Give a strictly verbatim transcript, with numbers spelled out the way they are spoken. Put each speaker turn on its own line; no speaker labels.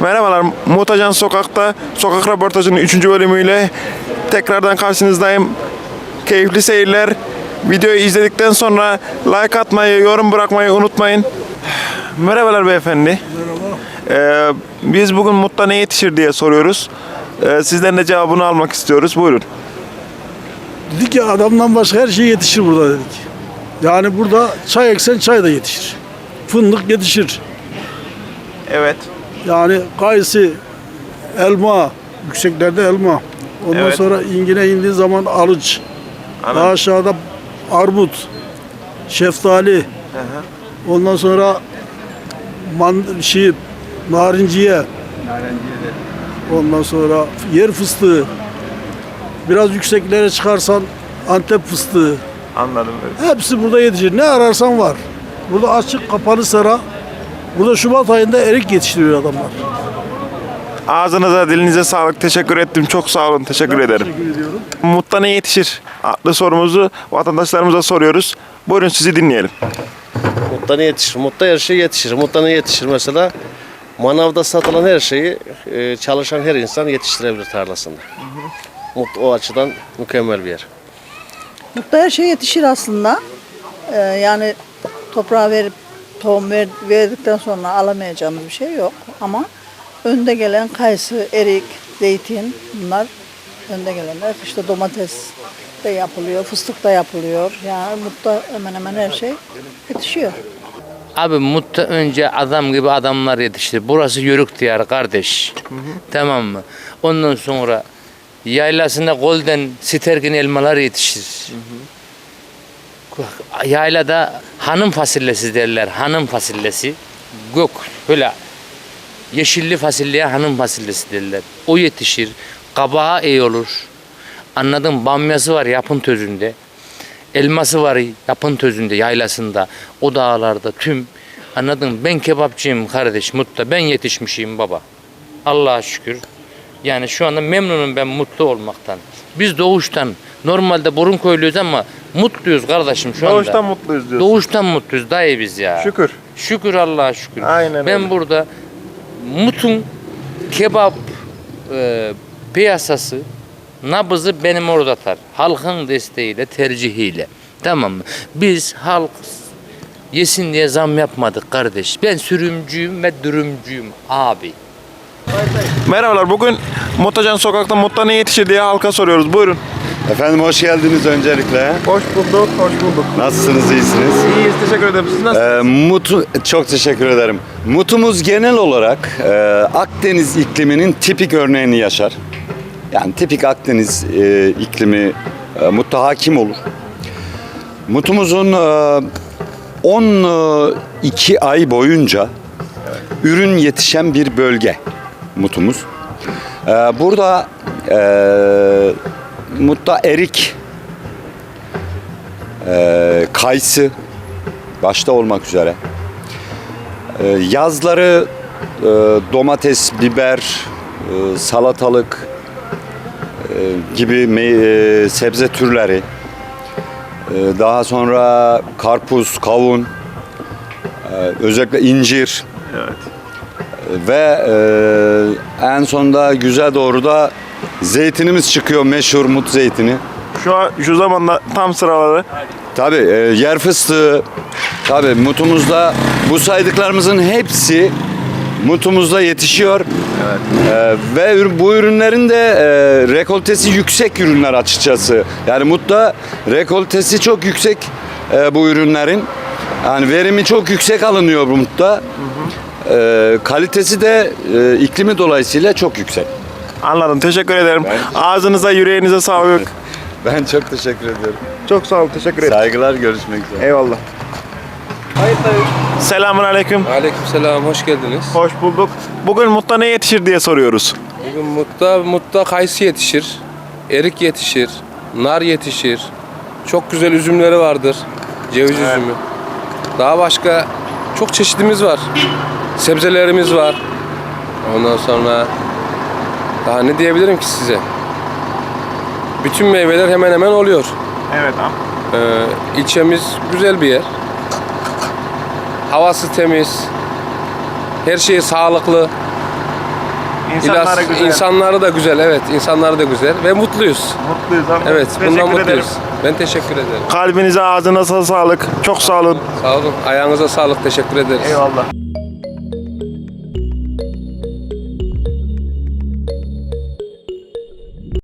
Merhabalar, Mutacan Sokak'ta sokak röportajının üçüncü bölümüyle tekrardan karşınızdayım. Keyifli seyirler. Videoyu izledikten sonra like atmayı, yorum bırakmayı unutmayın. Merhabalar beyefendi.
Merhaba.
Ee, biz bugün Mut'ta ne yetişir diye soruyoruz. Ee, sizden de cevabını almak istiyoruz. Buyurun.
Dedik ya adamdan başka her şey yetişir burada dedik. Yani burada çay eksen çay da yetişir. Fındık yetişir.
Evet.
Yani kayısı, elma, yükseklerde elma. Ondan
Evet.
sonra ingine indiği zaman alıç.
Anladım.
Daha aşağıda armut, şeftali. Ondan sonra man şey, narinciye. Ondan sonra yer fıstığı. Biraz yükseklere çıkarsan Antep fıstığı.
Anladım.
Hepsi burada yetişir. Ne ararsan var. Burada açık kapalı sera. Burada Şubat ayında erik yetiştiriyor adamlar.
Ağzınıza, dilinize sağlık. Teşekkür ettim. Çok sağ olun. Teşekkür ederim.
Teşekkür ediyorum.
Mut'ta ne yetişir adlı sorumuzu vatandaşlarımıza soruyoruz. Buyurun sizi dinleyelim.
Mut'ta ne yetişir? Mut'ta her şey yetişir. Mut'ta ne yetişir mesela? Manavda satılan her şeyi e, çalışan her insan yetiştirebilir tarlasında. Mut o açıdan mükemmel bir yer.
Mut'ta her şey yetişir aslında. Ee, yani toprağa verip tohum ver, verdikten sonra alamayacağımız bir şey yok. Ama önde gelen kayısı, erik, zeytin bunlar önde gelenler. İşte domates de yapılıyor, fıstık da yapılıyor. Yani Mut'ta hemen hemen her şey yetişiyor.
Abi Mut'ta önce adam gibi adamlar yetişti. Burası yörük diyarı kardeş. Hı hı. Tamam mı? Ondan sonra yaylasında golden stergin elmalar yetişir. Hı hı. Yaylada hanım fasulyesi derler. Hanım fasulyesi. Gök böyle yeşilli fasulyeye hanım fasulyesi derler. O yetişir. Kabağı iyi olur. Anladın, bamyası var yapın tözünde. Elması var yapın tözünde, yaylasında, o dağlarda tüm. Anladın, ben kebapçıyım kardeş Mut'ta, ben yetişmişim baba. Allah'a şükür. Yani şu anda memnunum ben mutlu olmaktan. Biz doğuştan, normalde burun köylüyüz ama mutluyuz kardeşim şu anda.
Doğuştan mutluyuz diyorsun.
Doğuştan mutluyuz dayı biz ya.
Şükür.
Şükür Allah'a şükür.
Aynen
ben
öyle.
burada Mut'un kebap e, piyasası, nabızı benim orada atar. Halkın desteğiyle, tercihiyle. Tamam mı? Biz halk yesin diye zam yapmadık kardeş. Ben sürümcüyüm ve dürümcüyüm abi.
Merhabalar. Bugün Mutacan Sokak'ta Mut'ta ne yetişir diye halka soruyoruz. Buyurun.
Efendim hoş geldiniz öncelikle.
Hoş bulduk. Hoş bulduk.
Nasılsınız, iyisiniz?
İyiyiz. Teşekkür ederim. Siz nasılsınız?
Ee, Mutu, çok teşekkür ederim. Mutumuz genel olarak e, Akdeniz ikliminin tipik örneğini yaşar. Yani tipik Akdeniz e, iklimi e, Mut'ta hakim olur. Mutumuzun e, on iki ay boyunca ürün yetişen bir bölge Mutumuz. E, burada e, Mut'ta erik, e, kayısı başta olmak üzere. E, yazları e, domates, biber, e, salatalık e, gibi me- e, sebze türleri. E, daha sonra karpuz, kavun, e, özellikle incir.
Evet.
Ve e, en sonunda güze doğru da zeytinimiz çıkıyor, meşhur Mut zeytini.
Şu an şu zamanda tam sıraları.
Tabii e, yer fıstığı, tabii Mutumuzda bu saydıklarımızın hepsi Mutumuzda yetişiyor. Evet. E, ve ür- bu ürünlerin de e, rekoltesi yüksek ürünler açıkçası. Yani Mut'ta rekoltesi çok yüksek e, bu ürünlerin. Yani verimi çok yüksek alınıyor bu Mut'ta. Hı hı. E, kalitesi de e, iklimi dolayısıyla çok yüksek.
Anladım. Teşekkür ederim.
Ben-
Ağzınıza, yüreğinize sağlık.
Ben çok teşekkür ediyorum.
Çok sağ olun. Teşekkür ederim.
Saygılar, görüşmek üzere.
Eyvallah. Selamun aleyküm.
Aleykümselam, hoş geldiniz.
Hoş bulduk. Bugün Mut'ta ne yetişir diye soruyoruz.
Bugün Mut'ta, Mut'ta kayısı yetişir, erik yetişir, nar yetişir. Çok güzel üzümleri vardır, ceviz üzümü. Daha başka çok çeşidimiz var. Sebzelerimiz var. Ondan sonra daha ne diyebilirim ki size? Bütün meyveler hemen hemen oluyor.
Evet abi.
Ee, ilçemiz güzel bir yer. Havası temiz. Her şey sağlıklı.
İnsanları
İlas-
güzel.
insanları da güzel, evet. İnsanları da güzel ve mutluyuz.
Mutluyuz ama.
Evet,
Teşekkür
bundan
ederim.
mutluyuz. Ben teşekkür ederim.
Kalbinize ağzınıza sağlık. Çok sağ olun.
Sağ olun. Ayağınıza sağlık. Teşekkür ederiz.
Eyvallah.